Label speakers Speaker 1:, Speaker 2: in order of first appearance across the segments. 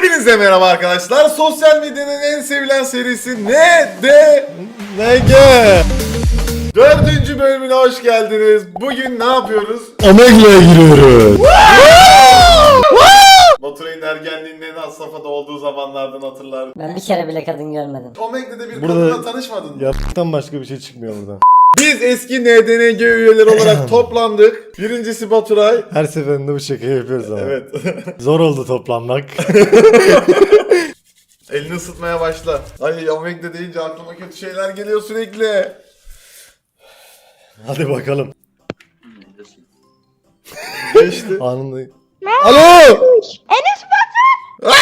Speaker 1: Hepinize merhaba arkadaşlar. Sosyal medyanın en sevilen serisi NG. Dördüncü bölümüne hoş geldiniz. Bugün ne yapıyoruz?
Speaker 2: Omegle'ye giriyoruz.
Speaker 1: Baturay'ın ergenliğinin en has safhada olduğu zamanlardan hatırlar.
Speaker 3: Ben bir kere bile kadın görmedim.
Speaker 1: Omegle'de bir
Speaker 2: Burada-
Speaker 1: kadınla tanışmadın mı?
Speaker 2: Yaptıktan başka bir şey çıkmıyor buradan.
Speaker 1: Biz eski NDNG üyeleri olarak toplandık. Birincisi Baturay.
Speaker 2: Her seferinde bu şakayı yapıyoruz ama.
Speaker 1: Evet.
Speaker 2: Zor oldu toplanmak.
Speaker 1: Elini ısıtmaya başla. Ay Omegle deyince aklıma kötü şeyler geliyor sürekli.
Speaker 2: Hadi bakalım.
Speaker 1: Geçti.
Speaker 2: Anında. Alo!
Speaker 4: Enes Batur!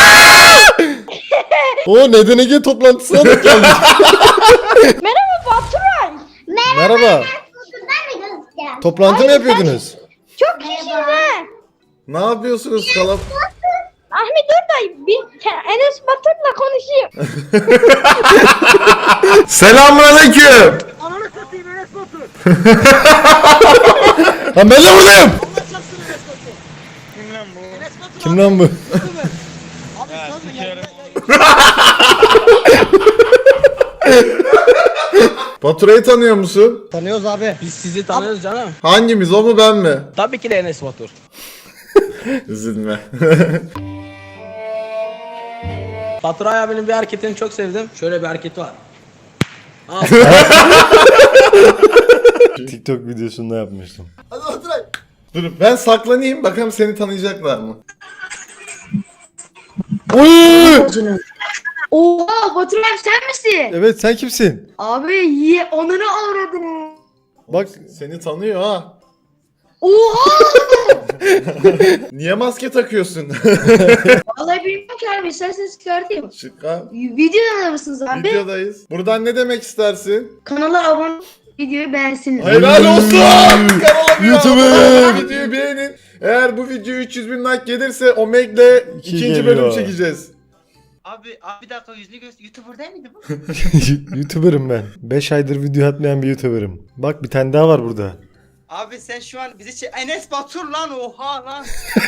Speaker 2: O NDNG toplantısına da geldik.
Speaker 4: Merhaba Baturay.
Speaker 2: Merhaba. Toplantı mı yapıyordunuz?
Speaker 4: Çok kişiyiz ha.
Speaker 1: Ne yapıyorsunuz kalap?
Speaker 4: Ahmet dur da bir Enes Batur'la konuşayım.
Speaker 1: Selamünaleyküm.
Speaker 4: Ananı satayım Enes Batur.
Speaker 2: Ha ben de buradayım. Kim lan bu?
Speaker 1: Baturay'ı tanıyor musun?
Speaker 5: Tanıyoruz abi. Biz sizi tanıyoruz canım.
Speaker 1: Hangimiz, o mu ben mi?
Speaker 5: Tabii ki de Enes Batur.
Speaker 1: Üzülme.
Speaker 5: Baturay abinin bir hareketini çok sevdim. Şöyle bir hareketi var.
Speaker 2: TikTok videosunda yapmıştım.
Speaker 1: Hadi Baturay. Dur ben saklanayım, bakalım seni tanıyacaklar mı?
Speaker 2: Oy!
Speaker 4: Oha Baturay sen misin?
Speaker 2: Evet sen kimsin?
Speaker 4: Abi onları avradın.
Speaker 2: Bak
Speaker 1: Seni tanıyor ha.
Speaker 4: Oha!
Speaker 1: Niye maske takıyorsun?
Speaker 4: Vallahi bilmiyorum ki abi isterseniz çıkartayım.
Speaker 1: Çıkar.
Speaker 4: Videoda mısınız abi?
Speaker 1: Videodayız. Buradan ne demek istersin?
Speaker 4: Kanala abone videoyu beğensin.
Speaker 1: Helal olsun! Kanala bir
Speaker 2: YouTuber!
Speaker 1: abone olun, videoyu beğenin. Eğer bu video 300 bin like gelirse Omeg'le
Speaker 2: İki
Speaker 1: ikinci
Speaker 2: geliyor.
Speaker 1: bölüm çekeceğiz.
Speaker 6: Abi bir dakika yüzünü göster. YouTuber değil miydi bu?
Speaker 2: YouTuber'ım ben. 5 aydır video atmayan bir YouTuber'ım. Bak bir tane daha var burada.
Speaker 6: Abi sen şu an bizi Enes Batur lan, oha lan.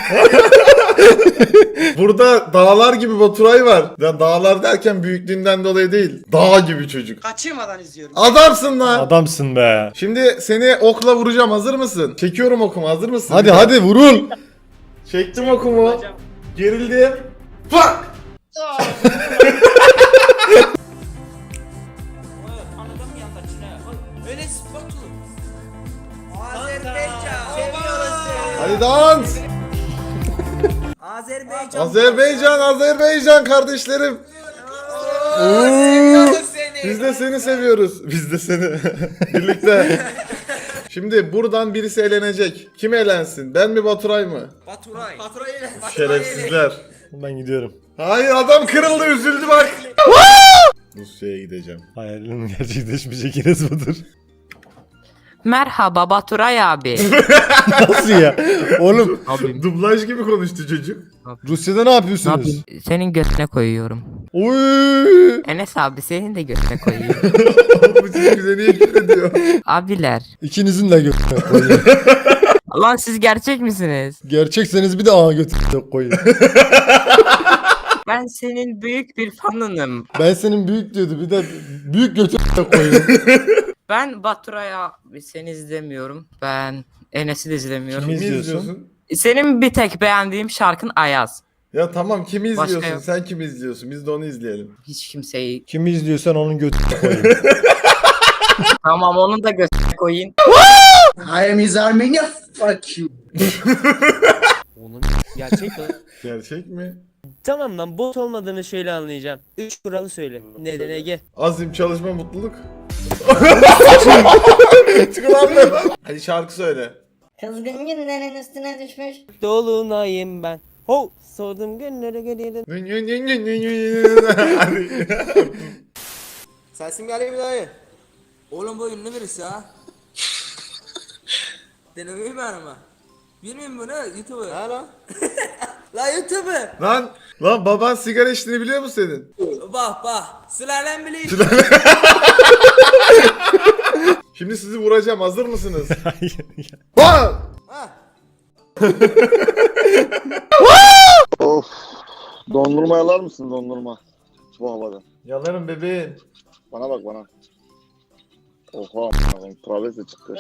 Speaker 1: Burada dağlar gibi Baturay var. Ya dağlar derken büyüklüğünden dolayı değil. Dağ gibi çocuk.
Speaker 6: Kaçırmadan izliyorum.
Speaker 1: Adamsın lan.
Speaker 2: Adamsın be.
Speaker 1: Şimdi seni okla vuracağım, hazır mısın? Çekiyorum okumu, hazır mısın?
Speaker 2: Hadi hadi vurul.
Speaker 1: Çektim okumu. Gerildim. Fuck!
Speaker 6: Anladım ya kaçına. Enes Batur. Azerbaycan. Seviyoruz seni.
Speaker 1: Hadi dans.
Speaker 6: Azerbaycan.
Speaker 1: Azerbaycan kardeşlerim.
Speaker 6: Seviyoruz seni.
Speaker 1: Biz de seni seviyoruz. Biz de seni. Birlikte. Şimdi buradan birisi elenecek. Kim elensin? Ben mi, Baturay mı?
Speaker 6: Baturay. Baturay ile.
Speaker 1: Şerefsizler.
Speaker 2: Ben gidiyorum.
Speaker 1: Hayır, adam kırıldı, üzüldü bak. Rusya'ya gideceğim.
Speaker 2: Hayallerim gerçekleşmeyecek Enes Batur.
Speaker 7: Merhaba Baturay abi.
Speaker 2: Nasıl ya? Oğlum
Speaker 7: Abi
Speaker 1: Dublaj gibi konuştu çocuk.
Speaker 2: Rusya'da ne
Speaker 7: ne
Speaker 2: yapıyorsunuz?
Speaker 7: yapayım? Senin götüne koyuyorum.
Speaker 2: Oy!
Speaker 7: Enes abi senin de götüne koyuyorum.
Speaker 1: Bu çocuk bize niye küfür ediyor?
Speaker 7: Abiler.
Speaker 2: İkinizin de götüne koyun.
Speaker 7: Lan siz gerçek misiniz?
Speaker 2: Gerçekseniz bir de ağa götüne koyun.
Speaker 7: Ben senin büyük bir fanınım.
Speaker 2: Ben senin büyük diyordu bir de büyük götüne koyun.
Speaker 7: Ben Baturay abi seni izlemiyorum. Ben Enes'i de izlemiyorum.
Speaker 2: Kimi
Speaker 1: Kimi
Speaker 2: izliyorsun?
Speaker 1: izliyorsun?
Speaker 7: Senin bir tek beğendiğim şarkın Ayaz.
Speaker 1: Ya tamam, kimi
Speaker 7: Başka
Speaker 1: izliyorsun?
Speaker 7: yok.
Speaker 1: Sen kimi izliyorsun? Biz de onu izleyelim.
Speaker 7: Hiç kimseyi.
Speaker 2: Kimi izliyorsan onun götüne koyun.
Speaker 7: Tamam onu da götüne koyun.
Speaker 5: I am his Armenia. Fuck you.
Speaker 8: Gerçek mi?
Speaker 1: Gerçek mi?
Speaker 8: Tamam lan bot olmadığını şöyle anlayacağım. 3 kuralı söyle. Neden Ege?
Speaker 1: Azim, çalışma, mutluluk. Çıkılan. Hadi şarkı söyle.
Speaker 3: Kızgın günlerin üstüne düşmüş.
Speaker 8: Dolunayım ben. Ho! Sordum günlere gelirim.
Speaker 1: Hadi.
Speaker 6: Sesim geliyor mu dayı? Oğlum bu ünlü birisi ha. Denemeyi ben ama. Bilmiyorum bunu, YouTuber. Ha lan? La YouTuber.
Speaker 1: Lan baban sigara içtiğini biliyor mu senin?
Speaker 6: Bak. Sülalem bile iş.
Speaker 1: Şimdi sizi vuracağım, hazır mısınız? Bak!
Speaker 9: Of. Dondurma yalar mısın dondurma? Bu havada.
Speaker 1: Yalarım bebeğim.
Speaker 9: Bana bak bana. Oha a**ım, travese çıktı.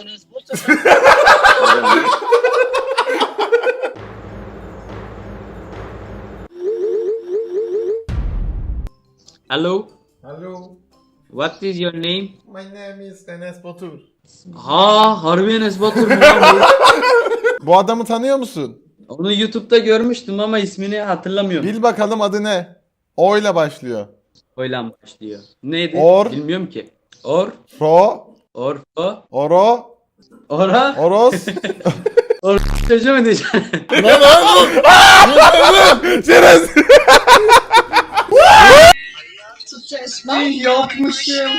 Speaker 5: Hello.
Speaker 1: Hello.
Speaker 5: What is your name?
Speaker 1: My name is Enes Batur.
Speaker 5: Ha, harbi Enes Batur mu lan bu?
Speaker 1: Bu adamı tanıyor musun?
Speaker 5: Onu YouTube'da görmüştüm ama ismini hatırlamıyorum.
Speaker 1: Bil bakalım adı ne? O ile başlıyor.
Speaker 5: Oyla başlıyor. Neydi?
Speaker 1: Or.
Speaker 5: Bilmiyorum ki.
Speaker 1: Ro.
Speaker 5: Orfo.
Speaker 1: Oro.
Speaker 5: Ora.
Speaker 1: Oros.
Speaker 5: Çocuğu mu diyeceğim?
Speaker 1: Lan oğlum. Şerez.
Speaker 6: Yapmışım.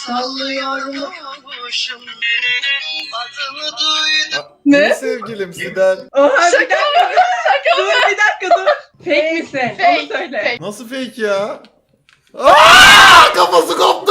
Speaker 1: Ne? Sevgilim Sibel.
Speaker 6: Oha bir dakika. Dur bir dakika dur. Fake misin? Onu söyle.
Speaker 1: Nasıl fake ya? Aa, kafası koptu.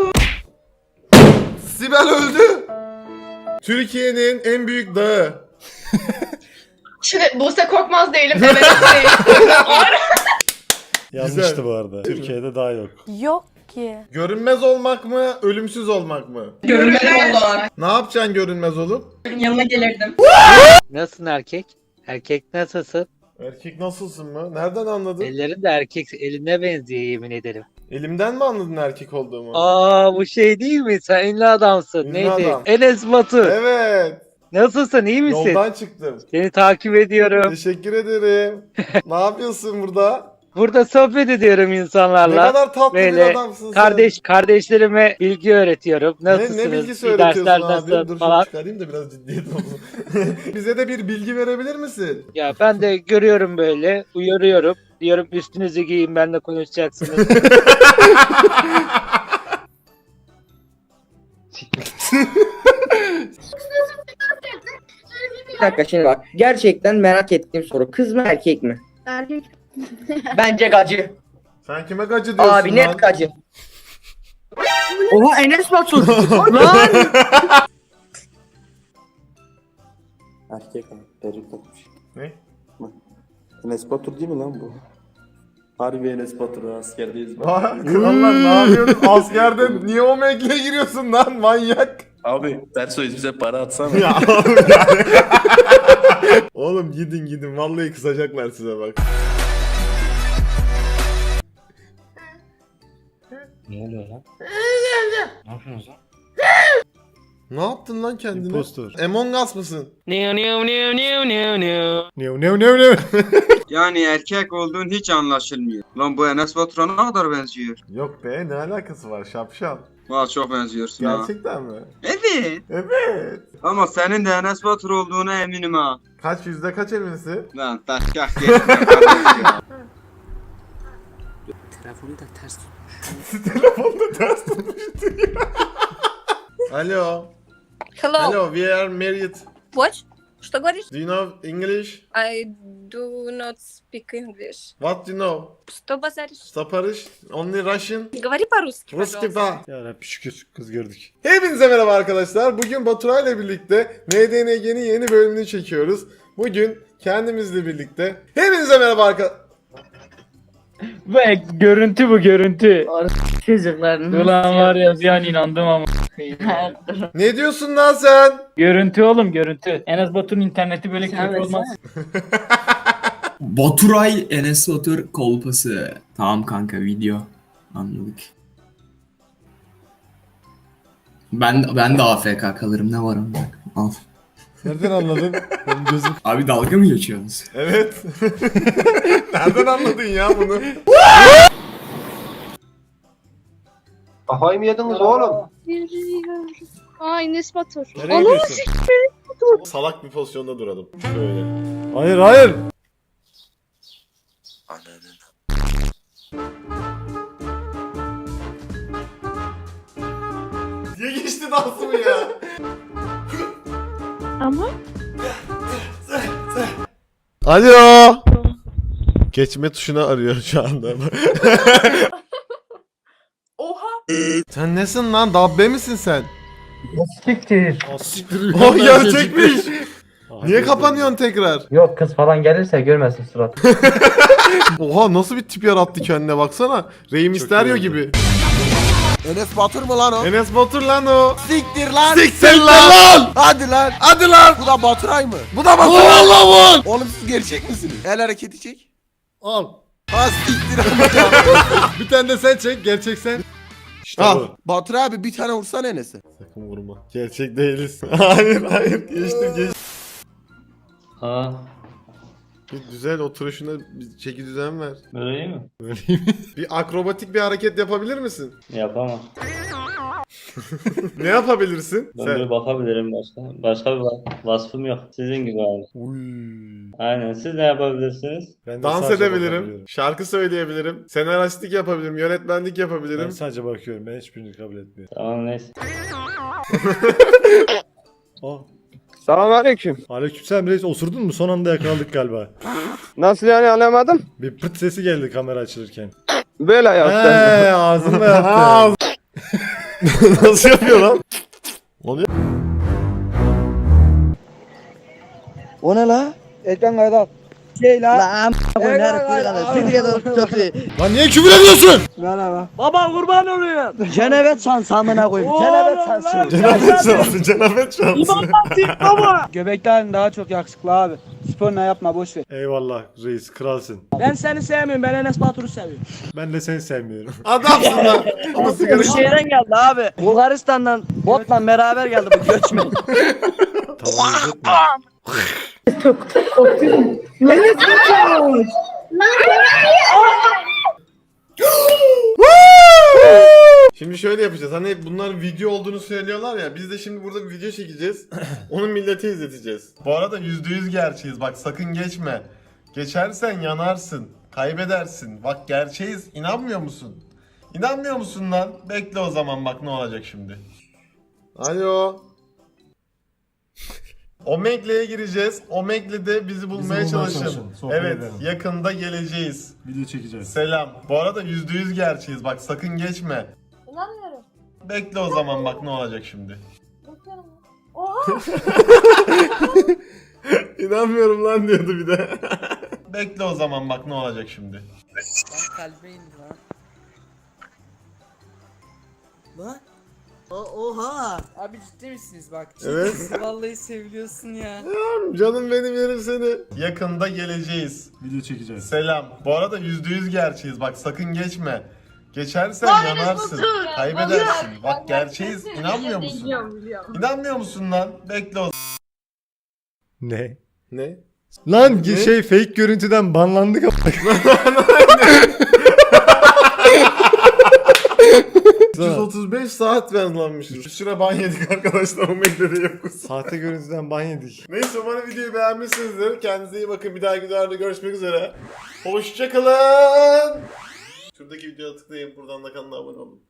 Speaker 1: Sibel öldü. Türkiye'nin en büyük dağı.
Speaker 4: Şimdi Buse Korkmaz değilim. Evet değil.
Speaker 2: Yanlıştı
Speaker 1: Güzel.
Speaker 2: bu arada. Türkiye'de daha yok.
Speaker 10: Yok ki.
Speaker 1: Görünmez olmak mı, ölümsüz olmak mı?
Speaker 6: Görünmeden oldu.
Speaker 1: Ne yapacaksın görünmez olup?
Speaker 6: Yanına gelirdim.
Speaker 8: Nasılsın erkek? Erkek nasılsın?
Speaker 1: Erkek nasılsın mı? Nereden anladın?
Speaker 8: Ellerin de erkek eline benziyor yemin ederim.
Speaker 1: Elimden mi anladın erkek olduğumu?
Speaker 8: Aa bu şey değil mi? Sen ünlü adamsın.
Speaker 1: Ünlü
Speaker 8: Neydi?
Speaker 1: adam.
Speaker 8: Enes Batur.
Speaker 1: Evet.
Speaker 8: Nasılsın? İyi misin?
Speaker 1: Yoldan çıktım.
Speaker 8: Seni takip ediyorum.
Speaker 1: Teşekkür ederim. Ne yapıyorsun burada?
Speaker 8: Burada sohbet ediyorum
Speaker 1: Ne
Speaker 8: insanlarla.
Speaker 1: kadar tatlı bir
Speaker 8: Böyle
Speaker 1: adamsın
Speaker 8: kardeşlerime bilgi öğretiyorum.
Speaker 1: sen.
Speaker 8: Nasılsınız?
Speaker 1: Ne bilgisi
Speaker 8: İyi
Speaker 1: öğretiyorsun
Speaker 8: dersler
Speaker 1: abi?
Speaker 8: nasıl
Speaker 1: Dur
Speaker 8: falan.
Speaker 1: şunu çıkarayım da biraz ciddiyet olsun. Bize de bir bilgi verebilir misin?
Speaker 8: Ya ben de görüyorum böyle, uyarıyorum. Diyorum üstünüzü giyin benimle konuşacaksınız.
Speaker 6: Bir dakika şimdi bak. Gerçekten merak ettiğim soru. Kız mı erkek mi?
Speaker 4: Erkek.
Speaker 6: Bence gacı.
Speaker 1: Sen kime gacı diyorsun
Speaker 6: Abi
Speaker 1: lan?
Speaker 6: net gacı. Oha Enes Batur. Lan.
Speaker 11: Erkek abi. Peruk takmış.
Speaker 1: Ne?
Speaker 11: Enes Batur değil mi lan bu? Harbi Enes Batur askerdeyiz.
Speaker 1: Vay, krallar ne yapıyorsun? Askerde niye o mekle giriyorsun lan manyak?
Speaker 11: Abi Tersoy bize para atsana.
Speaker 1: Ya oğlum ya. Oğlum gidin vallahi kısacaklar size bak.
Speaker 8: Ne oluyor lan? Ne yapıyorsunuz lan?
Speaker 1: Ne yaptın lan kendine?
Speaker 2: Impostor.
Speaker 1: Among Us mısın?
Speaker 2: New.
Speaker 12: Yani erkek olduğun hiç anlaşılmıyor. Lan bu Enes Batur'a ne kadar benziyor?
Speaker 1: Yok be ne alakası var şapşal.
Speaker 12: Valla çok benziyorsun ha.
Speaker 1: Gerçekten mi?
Speaker 12: Evet.
Speaker 1: Evet.
Speaker 12: Ama senin de Enes Batur olduğuna eminim ha.
Speaker 1: Kaç yüzde kaç eminsin?
Speaker 12: Lan taşkak geçme kardeş ya.
Speaker 5: Telefonu da ters tut.
Speaker 1: Telefonda ters tutmuştu ya. Alo.
Speaker 10: Hello.
Speaker 1: Hello, we are married.
Speaker 10: What? Что говоришь?
Speaker 1: Do you know English?
Speaker 10: I do not speak English.
Speaker 1: What do you know?
Speaker 10: Что базаришь?
Speaker 1: Стопарış? Only Russian?
Speaker 10: Говори по-русски,
Speaker 1: Ruski
Speaker 10: пожалуйста.
Speaker 1: ba.
Speaker 2: Ya Rabbi şükür kız gördük.
Speaker 1: Hepinize merhaba arkadaşlar. Bugün Baturay ile birlikte NDNG'nin yeni bölümünü çekiyoruz. Bugün kendimizle birlikte. Hepinize merhaba arkadaşlar.
Speaker 8: Bak görüntü bu görüntü.
Speaker 6: Çocuklar.
Speaker 8: Ulan var ya bir an inandım ama.
Speaker 1: Ne diyorsun lan sen?
Speaker 8: Görüntü oğlum görüntü. Enes Batur'un interneti böyle kötü olmaz.
Speaker 13: Baturay Enes Batur kolpası. Tamam kanka video. Anladık. Ben de AFK kalırım ne var ama. Al.
Speaker 2: Nereden anladın? Benim gözüm.
Speaker 13: Abi dalga mı geçiyorsunuz?
Speaker 1: Evet. Nereden anladın ya bunu?
Speaker 11: Kafayı mı yediniz oğlum?
Speaker 4: Aa Enes Batur.
Speaker 2: Nereye gidiyorsun?
Speaker 1: Salak bir pozisyonda duralım. Şöyle.
Speaker 2: Hayır.
Speaker 1: Niye geçti dansımı ya?
Speaker 4: Ama
Speaker 1: Alo. Geçme tuşuna arıyor şu anda.
Speaker 10: Oha.
Speaker 1: Sen nesin lan? Dabbe misin sen?
Speaker 8: Siktir.
Speaker 2: Siktir.
Speaker 1: Oh gerçekmiş. Niye kapanıyorsun tekrar?
Speaker 5: Yok kız falan gelirse görmesin surat.
Speaker 1: Oha nasıl bir tip yarattı kendine baksana. Rey Mysterio
Speaker 2: iyi
Speaker 1: gibi.
Speaker 6: Enes Batur mu lan o?
Speaker 1: Enes Batur lan o.
Speaker 6: Siktir lan.
Speaker 1: Siktir lan.
Speaker 6: Hadi lan.
Speaker 1: Hadi lan.
Speaker 6: Bu da Baturay mı?
Speaker 1: Bu da Batur. Allah'ım.
Speaker 6: Oğlum siz gerçek misiniz? El hareketi çek.
Speaker 2: Al.
Speaker 6: Ha siktir.
Speaker 1: Bir tane de sen çek gerçek sen.
Speaker 2: İşte
Speaker 1: Al.
Speaker 2: bu.
Speaker 6: Batur abi bir tane vursana Enes'e.
Speaker 1: Sakın vurma. Gerçek değiliz. hayır geçtim.
Speaker 5: Ha,
Speaker 1: Bir güzel oturuşuna bir çeki düzen ver.
Speaker 5: böyle iyi mi?
Speaker 1: Bir akrobatik bir hareket yapabilir misin?
Speaker 5: Yapamam.
Speaker 1: Ne yapabilirsin? Sen.
Speaker 5: bakabilirim başka. Başka bir vasfım yok. Sizin gibi abi. Aynen. Siz ne yapabilirsiniz?
Speaker 2: Ben de
Speaker 1: Dans
Speaker 2: sadece
Speaker 1: edebilirim.
Speaker 2: bakabiliyorum.
Speaker 1: Şarkı söyleyebilirim. Senaristlik yapabilirim. Yönetmenlik
Speaker 2: Ben
Speaker 1: yapabilirim.
Speaker 2: sadece bakıyorum. Ben hiçbirini kabul etmiyorum.
Speaker 5: Tamam neyse.
Speaker 2: Oh.
Speaker 8: Selamünaleyküm.
Speaker 2: Aleykümselam reis, osurdun mu? Son anda yakaladık galiba.
Speaker 8: Nasıl yani anlamadım?
Speaker 2: Bir pırt sesi geldi kamera açılırken.
Speaker 8: Böyle
Speaker 2: Heee ağzında yaptı.
Speaker 1: Aa, Nasıl yapıyor lan? Oluyor.
Speaker 8: O ne la? Ekran kaydı al. Şey la. Lan
Speaker 1: Lan niye küfür ediyorsun?
Speaker 8: Merhaba. Baba kurban oluyor. Cenabet şansı amına koyayım. Cenabet şansı.
Speaker 1: Cenabet şansı, cenabet şansı.
Speaker 8: baba. Göbekten daha çok yakışıklı abi. Spor ne yapma boş ver.
Speaker 2: Eyvallah reis, kralsın.
Speaker 8: Ben seni sevmiyorum. Ben Enes Batur'u seviyorum.
Speaker 2: Ben de seni sevmiyorum.
Speaker 1: Adamsın lan. Ama sigara
Speaker 8: Bu şehirden geldi abi. Bulgaristan'dan botla beraber geldi bu göçmen.
Speaker 2: Tamam izletme.
Speaker 1: Şimdi şöyle yapacağız. Hani bunların video olduğunu söylüyorlar ya. Biz de şimdi burada bir video çekeceğiz. Onu millete izleteceğiz. Bu arada %100 gerçeğiz. Bak sakın geçme. Geçersen yanarsın. Kaybedersin. Bak gerçeğiz. İnanmıyor musun? İnanmıyor musun lan? Bekle o zaman bak ne olacak şimdi. Alo. Omegle'ye gireceğiz. Omegle'de bizi bulmaya çalışın. Evet, yakında geleceğiz.
Speaker 2: Video çekeceğiz.
Speaker 1: Selam. Bu arada %100 gerçeğiz. Bak sakın geçme.
Speaker 10: İnanmıyorum.
Speaker 1: Bekle o zaman bak ne olacak şimdi.
Speaker 10: Bakıyorum. Oha.
Speaker 1: İnanmıyorum lan diyordu bir de. Bekle o zaman bak ne olacak şimdi.
Speaker 6: Lan kalbe indi lan. Lan. Oha. Abi ciddi misiniz bak?
Speaker 1: Evet.
Speaker 6: Vallahi seviliyorsun ya.
Speaker 1: Canım benim yerim seni. Yakında geleceğiz.
Speaker 2: Video çekeceğiz.
Speaker 1: Selam. Bu arada %100 gerçeğiz. Bak sakın geçme. Geçersen yanarsın. Kaybedersin. Bak gerçeğiz. İnanmıyor musun?
Speaker 10: Biliyorum.
Speaker 1: İnanmıyor musun lan? Bekle o
Speaker 2: Ne?
Speaker 1: Ne?
Speaker 2: Lan
Speaker 1: Ne?
Speaker 2: şey fake görüntüden banlandık ama.
Speaker 1: 135 saat banlanmışız. Bir süre ban yedik arkadaşlar. O medyada yokuz.
Speaker 2: Sahte görüntüden ban yedik.
Speaker 1: Neyse umarım videoyu beğenmişsinizdir. Kendinize iyi bakın. Bir dahaki videolarda görüşmek üzere. Hoşçakalın. Şuradaki videoya tıklayın. Buradan da kanala abone olun.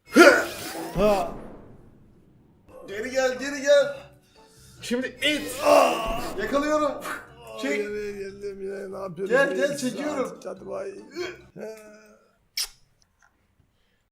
Speaker 1: Geri gel, geri gel. Şimdi it. Yakalıyorum. Çek.
Speaker 2: Geldim yine ne yapıyorum?
Speaker 1: Gel, gel, çekiyorum.
Speaker 2: Hadi bay.